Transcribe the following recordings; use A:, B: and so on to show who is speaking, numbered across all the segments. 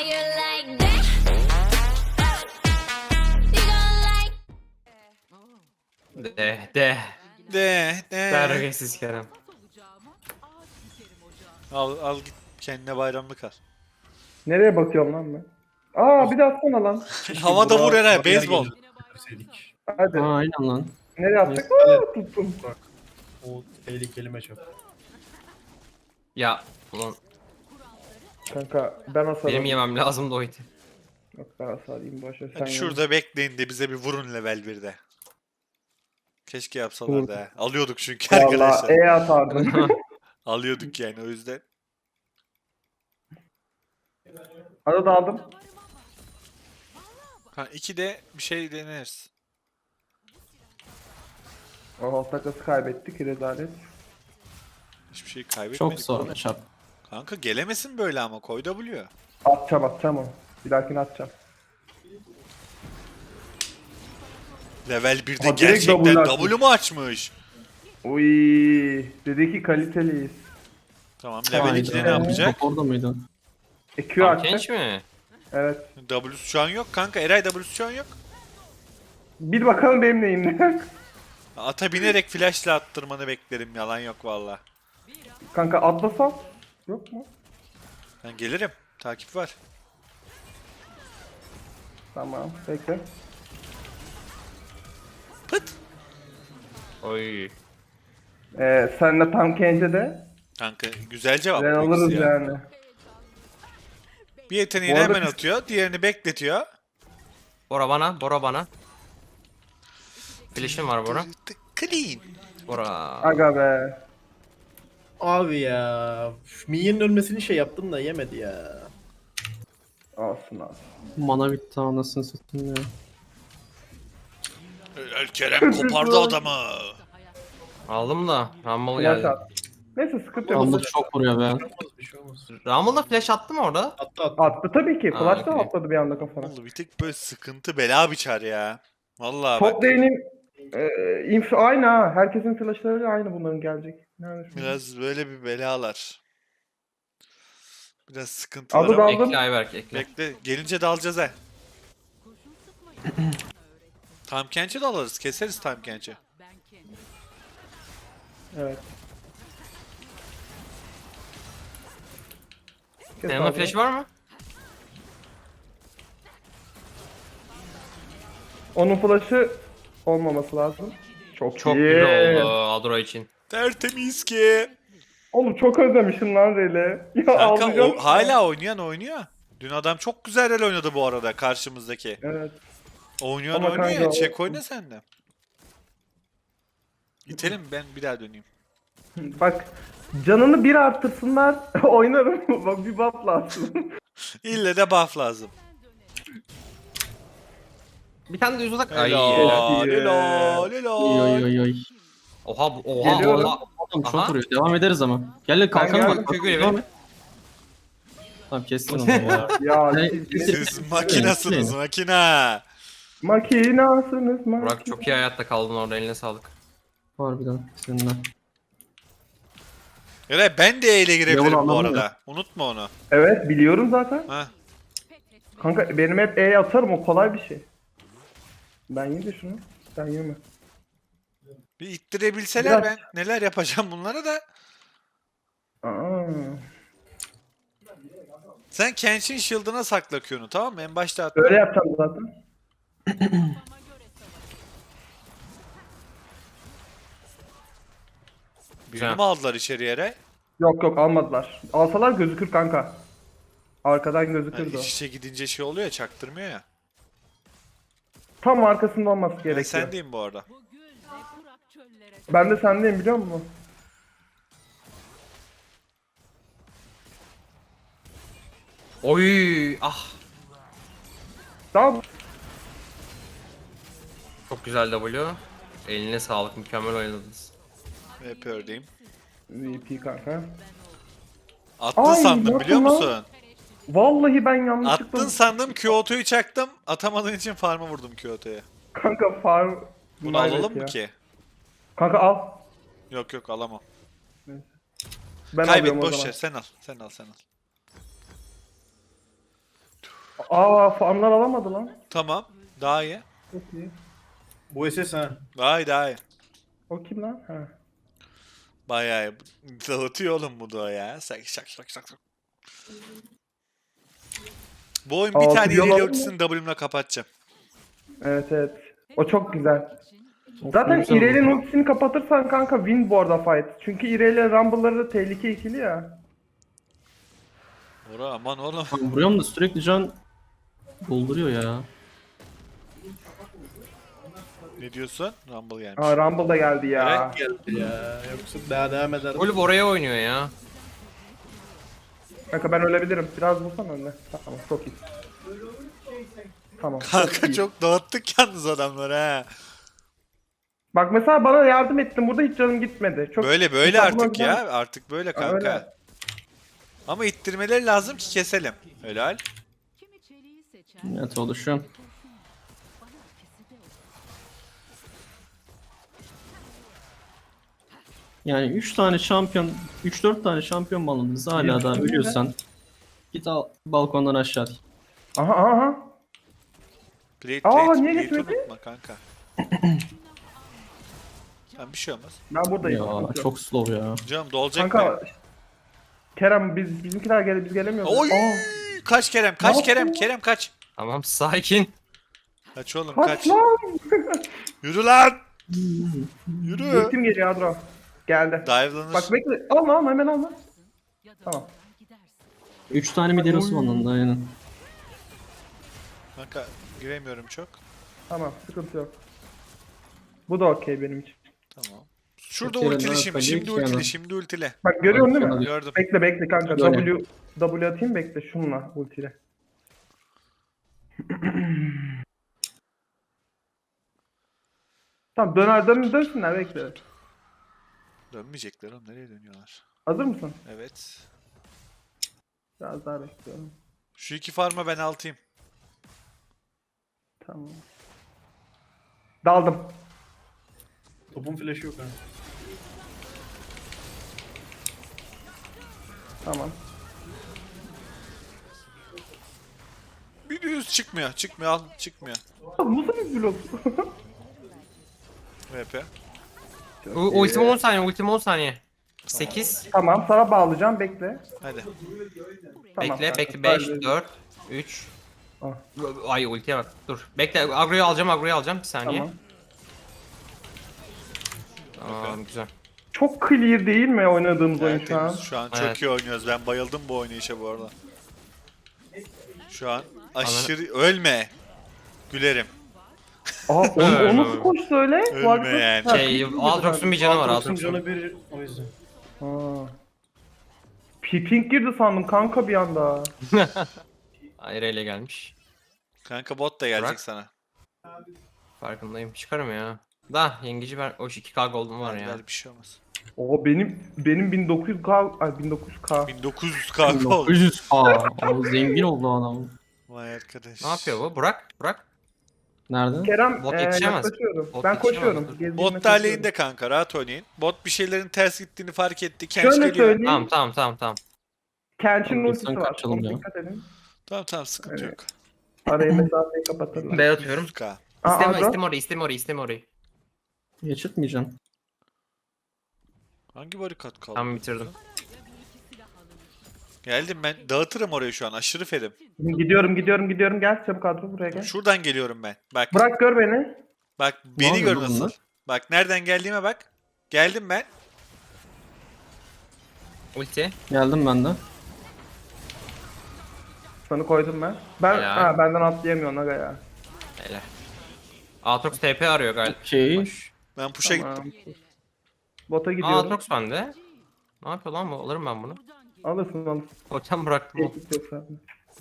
A: you like that? You gonna like.
B: De.
C: Terbiyesiz Kerem.
B: Al git kendine bayramlık al.
D: Nereye bakıyorum lan ben? Aa bir de atsana lan.
B: Havada vur Eray, beyzbol.
D: Hadi.
E: Aa aynen lan.
D: Nereye attık? Aa tuttum.
F: O tehlikeli meçhul.
C: Ya ulan
D: Kanka ben hasar
C: benim
D: alayım.
C: yemem lazım da oydu.
D: Yok ben hasar alayım boşver. Sen
B: Hadi şurada bekleyin de bize bir vurun level 1'de. Keşke yapsalar da. Alıyorduk çünkü
D: Valla
B: arkadaşlar.
D: atardım.
B: Alıyorduk yani o yüzden.
D: Arada aldım.
B: Ha 2'de bir şey deneriz.
D: Oho takası kaybettik rezalet.
B: Hiçbir şey kaybetmedik.
E: Çok zor
B: oğlum.
E: şap.
B: Kanka gelemesin böyle ama koy W.
D: Atacağım onu. Bir dahakine atacağım.
B: Level 1'de
D: Aa, direkt
B: gerçekten
D: W açmış.
B: W mu açmış?
D: Uy, dedi ki kaliteliyiz.
B: Tamam level 2'de ne yapacak?
E: Top orada mıydı?
D: Q attı.
C: Genç mi?
D: Evet.
B: W'su şu an yok kanka. Eray W'su şu an yok.
D: Bir bakalım benim neyim.
B: Ata binerek flashla attırmanı beklerim. Yalan yok valla.
D: Kanka atlasam. Yok mu?
B: Ben gelirim. Takip var.
D: Tamam bekle.
B: Pıt.
C: Oy.
D: Senle tam kence de.
B: Kanka güzel cevap.
D: Ben
B: bu ikisi
D: alırız
B: ya.
D: yani.
B: Bir yeteneğini
D: Bu arada
B: hemen
D: biz-
B: atıyor. Diğerini bekletiyor.
C: Bora bana. Flash'im var Bora.
B: Clean.
C: Bora.
D: Aga be.
F: Abi ya. Minyon'un ölmesini şey yaptım da yemedi ya.
D: Olsun.
E: Mana bitti anasını satayım ya.
B: El Kerem kopardı adamı.
C: Aldım da Rumble
D: Flash
C: geldi.
D: at. Neyse sıkıntı yok.
E: Rumble çok vuruyor be.
F: Bir şey olmaz.
C: Rumble'da flash attı mı orada?
F: Attı.
D: Attı tabii ki.
C: Ha,
D: Flash da
C: okey.
D: atladı bir anda kafana.
B: Vallahi bir tek böyle sıkıntı bela biçer ya. Vallahi bak.
D: Top lane'in aynı ha. Herkesin flashları aynı bunların gelecek. Nerede şu?
B: Biraz böyle bir belalar. Biraz sıkıntılar
D: Adı
B: ama.
D: Aldım.
C: Ekle Ayberk ekle.
B: Bekle. Gelince de alacağız he. Tam Kench'i de alırız. Keseriz Tam Kench'i.
D: Evet. Kes
C: Senin
D: abi.
C: flash var mı?
D: Onun flash'ı olmaması lazım. Çok
C: Çok
D: iyi.
C: güzel oldu Adro için.
B: Tertemiz ki.
D: Oğlum çok özlemişim lan Rey'le. Ya
B: Kanka
D: ağlayacağım.
B: hala oynuyor. Dün adam çok güzel rol oynadı bu arada karşımızdaki.
D: Evet.
B: Oynuyor
D: Ama
B: oynuyor ya.
D: kanka
B: Çek oyna sen de. İtelim ben bir daha döneyim.
D: Bak canını bir artırsınlar oynarım. Bak bir buff lazım.
B: İlle de buff lazım.
C: Bir tane de yüz uzak. Ay.
B: Helal,
D: iyi.
B: helal,
E: Oy
B: helal.
E: oy oy.
C: Oha.
D: Geliyorum.
E: Oğlum çok
C: Aha.
E: vuruyor. Devam ederiz ama. Gel kalkalım
D: geldim.
E: bak.
C: Kökü
E: Devam
C: evet.
E: et. Tamam kestin onu ya.
D: Ya
E: Ne-
B: Siz makinasınız makina.
D: makinasınız
C: Burak çok iyi hayatta kaldın orada, eline sağlık.
E: Harbiden seninle.
B: Eray ben de E ile girebilirim
E: Yavru
B: bu
E: anladın
B: arada. Unutma onu.
D: Evet biliyorum zaten.
B: Ha.
D: Kanka benim hep E'ye atarım o kolay bir şey. Ben yiyeyim de şunu. Sen yeme.
B: Bir ittirebilseler
D: Biraz-
B: ben neler yapacağım bunlara da.
D: Aa.
B: Sen Kench'in shield'ına sakla Q'nu tamam mı? En başta at.
D: Öyle yapacağım zaten.
B: Birini mi aldılar içeriye Eray?
D: Yok almadılar. Alsalar gözükür kanka. Arkadan
B: Ha,
D: gözükürdü o.
B: iç içe gidince şey oluyor ya çaktırmıyor ya.
D: Tam arkasında olması
B: Ben
D: gerekiyor.
B: sendeyim bu arada.
D: Ben de sendeyim biliyor musun?
C: Oy. Ah.
D: Tamam.
C: Çok güzel W. Eline sağlık, mükemmel oynadınız.
B: Hep ördeyim.
D: VP kanka.
B: Attın
D: Ay,
B: sandım biliyor
D: yapma lan.
B: musun?
D: Vallahi ben yanlışlıkla...
B: Attın sandım Kyoto'yu çaktım. Atamadığın için farm'a vurdum Kyoto'ya.
D: Kanka farm...
B: Bunu
D: Evet
B: alalım
D: ya.
B: mı ki?
D: Kanka al.
B: Yok alamam.
D: Ben
B: Kaybet
D: alıyorum o
B: boş
D: zaman.
B: ver sen al. Sen al.
D: Aa farmlar alamadı lan.
B: Tamam. Daha iyi.
D: Çok iyi.
F: Bu SS ha.
B: Daha iyi daha iyi.
D: O kim lan? Ha.
B: Bayağı iyi. Dağıtıyor oğlum bu da ya. Şak şak şak şak. Bu oyun bir
D: Altı
B: tane
D: yol
B: ileri
D: alır mı?
B: ultisini W'mle kapatacağım.
D: Evet evet. O çok güzel. Zaten
E: güzel
D: İrelia'nın ultisini kapatırsan kanka win bu arada fight. Çünkü İrelia Rumble'ları da tehlike ikili ya.
B: Ora aman oğlum.
E: Abi vuruyorum da sürekli can dolduruyor ya.
B: Ne diyorsun? Rumble gelmiş.
D: Aa Rumble da geldi ya.
F: Geldi ya. Yoksa daha devam eder.
C: Ulf oraya oynuyor ya.
D: Kanka ben ölebilirim. Biraz vursan önüne. Tamam çok iyi. Tamam. çok
B: Kanka
D: iyi.
B: çok dağıttık yalnız adamları ha.
D: Bak mesela bana yardım ettin. Burada hiç canım gitmedi. Çok
B: Böyle
D: Mesela
B: artık
D: buna
B: ya. Artık böyle kanka.
D: Öyle.
B: Ama ittirmeleri lazım ki keselim. Helal.
E: Evet oluşuyor. Yani 3 tane şampiyon, 3-4 tane şampiyon balonunuz hala da ölüyorsan git al balkondan aşağı at.
D: Aha aha.
B: Plate
D: Aa,
B: plate.
D: niye
B: Plate'i
D: geçmedi?
B: unutma kanka. Tamam bir şey olmaz.
D: Ben buradayım.
E: Ya çok slow ya.
B: Canım dolacak mı?
D: Kanka Kerem bizimkiler biz gelemiyoruz.
B: Oy!
D: Aa,
B: Kaç Kerem? Kaç
D: Ne
B: Kerem?
D: yaptın?
B: Kerem kaç?
C: Tamam sakin.
B: Kaç oğlum
D: kaç
B: kaç.
D: lan?
B: Yürü lan! Yürü.
D: Ultim geliyor Adro. Geldi.
B: Dive'lanır.
D: Bak bekle. Alma hemen alma. Tamam.
E: 3 tane mi derosu var onun da aynen.
B: Kanka giremiyorum çok.
D: Tamam sıkıntı yok. Bu da okey benim için.
B: Tamam. Şurada
E: Kerem
B: ultili
E: daha
B: şimdi.
E: kalıyor
B: Şimdi
E: ki
B: ultili.
E: yana.
B: Şimdi ultili.
D: Bak görüyorsun değil mi?
E: Sana
B: Gördüm.
D: Bekle kanka.
E: Böyle.
D: W atayım bekle şunla ultiyle. Tamam dönsünler bekle.
B: Dönmeyecekler oğlum. Nereye dönüyorlar?
D: Hazır mısın?
B: Evet.
D: Biraz daha bekliyorum.
B: Şu iki farma ben altayım.
D: Tamam. Daldım.
F: Topun flash'ı yok ha.
D: Tamam.
B: Bir düz çıkmıyor. Çıkmıyor al. Çıkmıyor.
D: Bu nasıl bir blok?
B: VP.
C: Ultim 10 saniye, ultim 10 saniye. 8.
D: Tamam sana bağlayacağım bekle.
B: Hadi.
D: Tamam,
C: Bekle,
D: kanka,
C: bekle. 5,
D: sadece-
C: 4, 3.
D: Ah.
C: Ay ultiye bak. Dur. Bekle, agroyu alacağım. Bir saniye.
D: Tamam.
C: Tamam, güzel.
D: Çok clear değil mi oynadığımız oyun şu an?
B: Tertemiz. Şu an çok
C: Evet.
B: iyi oynuyoruz. Ben bayıldım bu oynayışa bu arada. Şu an aşırı... Ölme. Gülerim.
D: Aa o nasıl koştu öyle?
B: Ölme
D: Bu arada-
B: yani.
D: Ha,
C: Şey,
D: ping
C: Aatrox'un bir canı var,
F: Aatrox'un
C: Aatrox'un.
F: canı bir o yüzden.
D: Aa. Ping girdi sandım kanka bir anda.
C: Ayreyle gelmiş.
B: Kanka bot da gelecek
C: Bırak.
B: sana.
C: Farkındayım. Çıkarım ya. Da yengeci ver. O 2K gold'um var ya.
B: Ver, bir şey olmaz.
D: Oo benim 1900K ay 1900K.
B: 1900 kanka oldu.
E: 900 Aa, o zengin oldu adam.
B: Vay arkadaş.
C: Ne yapıyor bu? Burak.
E: Nerede?
D: Kerem
C: Bot yetişemez.
D: yaklaşıyorum.
C: Bot
D: Ben
C: yetişemez,
D: koşuyorum.
C: dur.
D: Gezdiğime
B: Bot
D: koşuyorum.
B: talihinde kanka rahat oynayın. Bot bir şeylerin ters gittiğini fark etti. Kenç
D: Şöyle
B: geliyor.
D: söyleyeyim.
C: Tamam.
D: Kenç'in
E: Tamam,
D: ultisi
E: sen
D: var.
E: kaçalım
D: Ona
E: ya.
D: dikkat edin.
B: Tamam sıkıntı
D: Evet.
B: yok.
D: Arayı mesafeyi kapatırlar.
C: B atıyorum.
B: 100K.
D: Aa, Adro.
C: İsteme orayı.
E: Geçirtmeyeceğim.
B: Hangi barikat kaldı?
C: Tamam bitirdim.
B: Geldim ben. Dağıtırım orayı şu an. Aşırı fedim.
D: Gidiyorum. Gel çabuk Adro buraya gel.
B: Şuradan geliyorum ben. Bak.
D: Bırak gör beni.
B: Bak beni
E: yapıyor
B: gör
E: lan
B: nasıl.
E: bunlar?
B: Bak nereden geldiğime bak. Geldim ben.
C: Ulti.
E: Geldim ben de.
D: Sana koydum ben.
C: Helal.
D: Benden atlayamıyorsun aga ya.
C: Hele. Aatrox TP arıyor galiba.
E: Okey.
C: Hoş.
B: Ben push'a
D: Tamam.
B: gittim.
D: Bota
C: Aa,
D: gidiyorum.
C: Aatrox bende. Ne yapıyor lan bu? Alırım ben bunu.
D: Alırsın.
C: Totem bıraktım. o.
D: Tehdit yok zaten.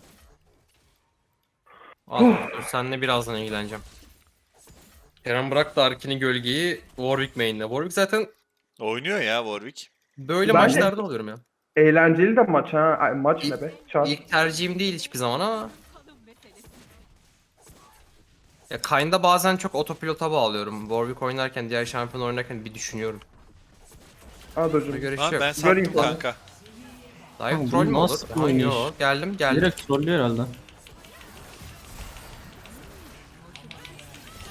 C: Aatrox dur, seninle birazdan ilgileneceğim. Kerem bıraktı Arkin'i gölgeyi Warwick main'le. Warwick zaten
B: Oynuyor ya Warwick.
C: böyle
D: Bence-
C: maçlarda oluyorum ya.
D: Eğlenceli de maç ha. Ay, maç ne be? Çat.
C: İlk tercihim değil hiçbir zaman ama. Ya Kayn'da bazen çok otopilota bağlıyorum. Warwick oynarken, diğer şampiyon oynarken bir düşünüyorum. Buna
D: Adro'cum.
C: göre
B: Lan
C: şey
B: ben
C: yok.
B: sattım
D: Göreyim sana.
B: kanka.
C: Dive
E: Oğlum,
C: troll
E: bu
C: mü olur?
E: nasıl
C: Ha,
E: oynayış?
C: yok. Geldim.
E: Direkt trollüyor herhalde.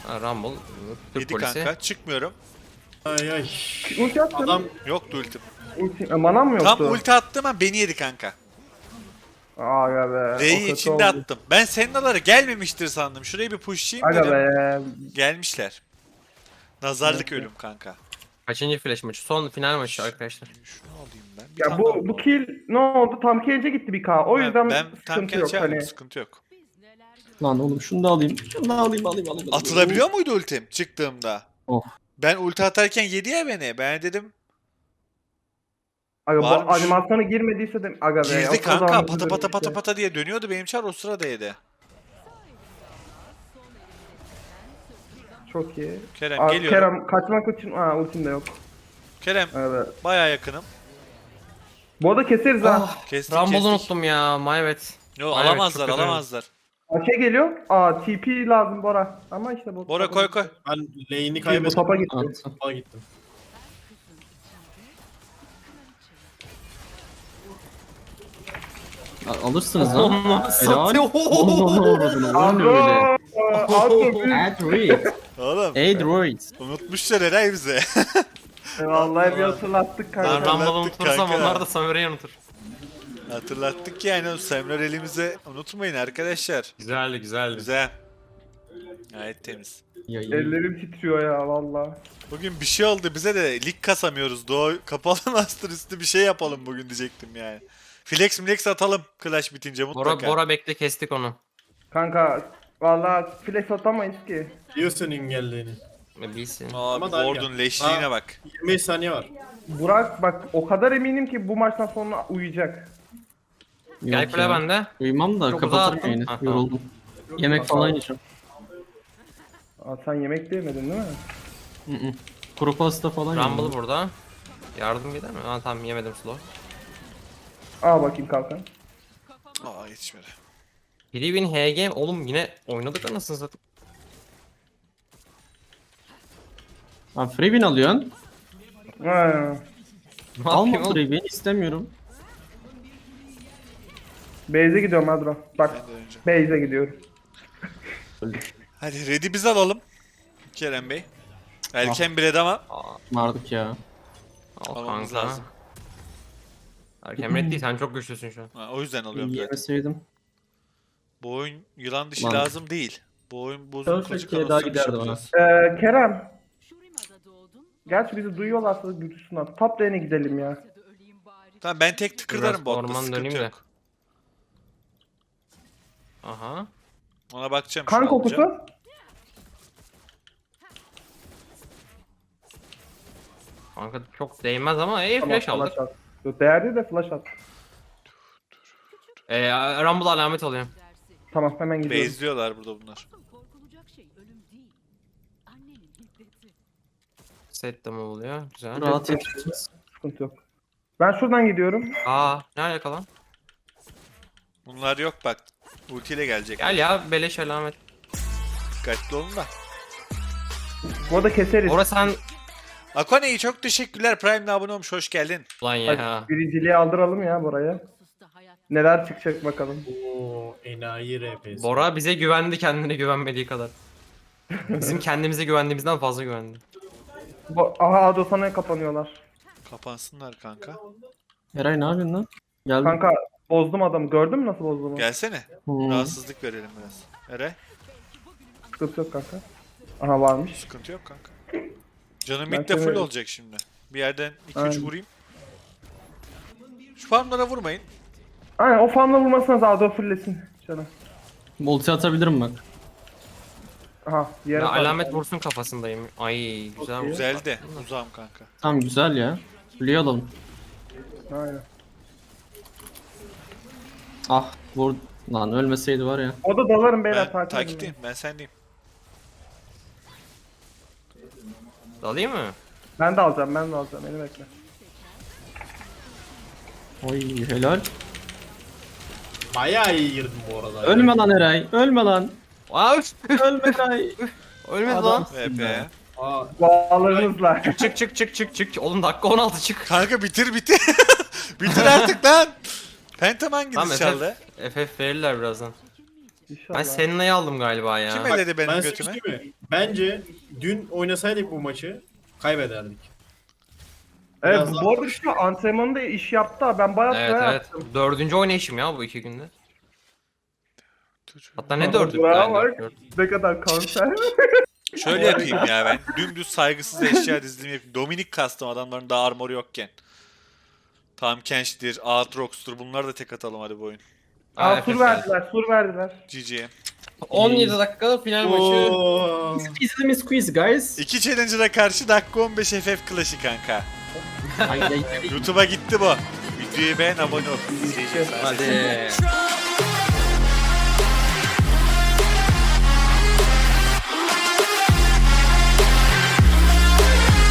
C: Rumble. Türk
B: Yedi
C: polisi.
B: kanka. Çıkmıyorum.
F: Ay ay.
D: Ulti attın.
F: Adam
B: Yoktu ultim.
D: Manam mı yoktu?
B: Tam ulti attım ama beni yedi kanka.
D: Aga be. o
B: R'yi
D: kötü
B: içinde
D: oldu.
B: attım. Ben Senna'lara gelmemiştir sandım. Şurayı bir pushlayayım
D: Aga
B: dedim.
D: be.
B: Gelmişler. Nazarlık ölüm kanka.
C: Kaçıncı flash maçı? Son final maçı arkadaşlar.
B: Şunu alayım ben. Bir
D: Ya
B: tane daha
D: bu kill ne oldu? Tam kill'e gitti bir K. O yüzden
B: ben tam
D: sıkıntı yok
B: kendi
D: hani.
B: sıkıntı yok.
E: Lan oğlum şunu da alayım. Şunu da alayım.
B: Atılabiliyor muydu ultim çıktığımda?
E: Oh.
B: Ben ulti atarken yedi ya beni. Ben dedim
D: Aga bu
B: Varmış.
D: animasyona girmediyse de aga be.
B: girdi
D: o
B: kanka
D: zaman
B: pata
D: üzülürüm
B: pata pata
D: işte.
B: pata diye dönüyordu benim çar o sırada yedi.
D: Çok iyi.
B: Kerem
D: Aa,
B: geliyorum.
D: Kerem kaçmak için ultim de yok.
B: Kerem
D: Evet.
B: bayağı yakınım.
D: Bu arada keseriz ha.
B: Kestik
C: Rumble'ı
B: kestik.
C: unuttum ya. My bad.
B: Yo
C: Evet,
B: alamazlar
C: çok kötü.
B: alamazlar.
D: Şey geliyor. TP lazım Bora. Ama işte bu.
B: Bora koy koy.
F: ben lane'i
D: Bu
F: kaybettim.
D: topa gitti.
E: Attı.
F: Topa gittim.
E: Alırsınız lan. Helal.
C: satıyor.
E: Oğlum ne uğradın? Oyun öyle. Adroid.
B: Oğlum
E: Adroid.
B: unutmuşlar Eray bize.
D: Vallahi bir hatırlattık
C: Ben
D: kanka.
C: Rumble'ı
B: Hatırlattık
C: unutursam
B: kanka.
C: onlar da Samurai unutur.
B: Hatırlattık yani o Semler elimize unutmayın arkadaşlar.
C: Güzeldi güzeldi.
B: Güzel. Gayet temiz.
E: Yayın.
D: Ellerim titriyor ya valla.
B: Bugün bir şey oldu bize de lig kasamıyoruz. Doğu kapalı master üstü bir şey yapalım bugün diyecektim yani. Flex atalım Clash bitince mutlaka.
C: Bora bekle kestik onu.
D: Kanka valla flash atamayız ki.
F: Biliyorsun engellerini.
C: Bilsin.
B: Abi
F: Ama daha
B: Ward'un leşliğine
F: Ha.
B: bak.
F: 25 saniye var.
D: Burak bak o kadar eminim ki bu maçtan sonra uyuyacak.
C: Gel
E: Yok
C: kule
E: ya.
C: bende.
E: Uyumam da
C: Çok
E: kapatırım
C: uzağa attım.
E: yayını.
C: Ha, tamam.
E: Yoruldum. Yemek falan yiyeceğim.
D: Sen yemek de yemedin değil mi?
E: Hı hı. Kuru pasta falan
C: Rumble
E: yedim.
C: burada. Yardım gider mi? Ha tamam yemedim slow.
D: Al bakayım kalkan.
B: Aa yetişmedi.
C: Grievin HG oğlum yine oynadık anasını satayım.
E: Ha free win alıyorsun.
D: Ha.
C: Ne
E: Alma
C: yapayım oğlum?
E: free win istemiyorum.
D: Base'e gidiyorum Adro. Bak
B: Ben de önce.
D: base'e gidiyorum.
B: Hadi ready biz alalım. Kerem Bey. Erken bir red ama
E: Vardık ya.
C: Al
B: almamız
C: kanka.
B: lazım.
C: Erken red değil sen çok güçlüsün şu an.
B: Ha, o yüzden alıyorum zaten.
E: Yemeseydim.
B: Bu oyun yılan dişi
E: Lan.
B: lazım değil. Bu oyun bozuk
E: Dört
B: kılıç
E: dakikaya daha
B: kanosu
E: giderdi
B: yapacağız.
D: Kerem. Gerçi bizi duyuyorlarsa duysunlar. Top lane'e gidelim ya.
B: Tamam ben tek tıkırlarım
C: Biraz
B: botta
C: orman
B: sıkıntı
C: döneyim de.
B: yok.
C: Aha.
B: Ona bakacağım
D: Kan
B: şu an alacağım.
D: kokusu.
C: Kanka çok değmez ama
D: Tamam,
C: flash aldık.
D: at. Yok, değerli de flash at.
C: Rumble alamet alıyorum.
D: Tamam hemen gidiyorum.
B: Base'liyorlar burada bunlar.
A: Korkulacak şey ölüm değil. Annenin hiddeti.
C: Set de mi oluyor? Güzel.
E: Rahat yetişiriz.
D: Sıkıntı yok. Ben şuradan gidiyorum.
C: Aa ne alaka lan?
B: Bunlar yok bak. Ultiyle gelecek.
C: Gel ya beleş alamet.
B: Dikkatli olun da.
D: Bu arada keseriz.
C: Orası sen...
B: Akone'yi çok teşekkürler. Prime'le abone olmuş. Hoş geldin.
C: Ulan ya.
D: Birinciliği aldıralım ya buraya.
A: Susta hayat.
D: Neler çıkacak bakalım.
F: Oo enayi RP'si.
C: Bora bize güvendi kendine güvenmediği kadar. Bizim kendimize güvendiğimizden fazla güvendi.
D: Aha Ado sana kapanıyorlar.
B: Kapansınlar kanka.
E: Eray ne yapıyorsun lan? Geldim.
D: Kanka bozdum adamı. Gördün mü nasıl bozduğumu?
B: Gelsene.
E: Hmm.
B: Rahatsızlık verelim biraz. Ere.
D: Sıkıntı yok kanka. Aha varmış.
B: Sıkıntı yok kanka. Canım
D: Ben
B: mid de full
D: severim.
B: olacak şimdi. Bir yerden 2-3
D: Aynen.
B: vurayım. Şu farmlara vurmayın.
D: Aynen o farmla vurmasına da Ado fulllesin canım.
E: Multi atabilirim bak.
D: Aha diğer
C: Ya alamet vursun kafasındayım. Ay güzel
D: Okey.
B: Güzel de. Uzağım kanka.
E: Tamam güzel ya. Fulleyi alalım.
D: Aynen.
E: Ah vur. Lan ölmeseydi var ya.
D: O da dalarım beyler
B: Ben
D: takip edin.
B: takipteyim. Ben sendeyim.
C: Dalayım mı?
D: Ben de alacağım beni bekle.
E: Oy helal.
F: Bayağı iyi girdim bu arada.
E: Ölme lan Eray. Ölme lan.
C: Aa
E: Ölme Eray.
C: ölmedi lan.
E: Adamsın
B: VP.
E: be.
F: Aa,
D: Bağlarınızla.
C: Çık. Oğlum dakika 16 çık.
B: Kanka bitir. Bitir artık lan. Phantom
C: Tamam
B: hanginiz çaldı?
C: FF verirler birazdan.
D: İnşallah.
C: Ben Senna'yı aldım galiba ya.
B: Kim elledi benim
F: ben
B: götüme?
F: sıkıştım mi? Bence dün oynasaydık bu maçı kaybederdik.
D: Evet
F: Biraz daha-
D: bu arada işte antrenmanında iş yaptı ha. Ben bayağı
C: Evet
D: süre
C: evet.
D: yaptım.
C: 4. oynayışım ya bu 2 günde. Hatta ne
D: Aa,
C: 4'ü?
D: bravo bak. Ne kadar kanser.
B: Şöyle yapayım ya ben. Dümdüz saygısız eşya dizilimi yapayım. Dominik kastım adamların daha armoru yokken. Tam Kench'tir, Aatrox'tur bunları da tek atalım hadi bu oyun.
D: Aa sur verdiler, sur verdiler.
B: GG.
C: 17 dakikalık final maçı.
F: Oo.
E: Easy mi squeeze guys?
B: İki challenger'a karşı dakika 15 FF Clash'ı kanka.
E: Ay, ay, ay.
B: YouTube'a gitti bu. Videoyu beğen abone ol. GG.
C: Hadi.
A: Try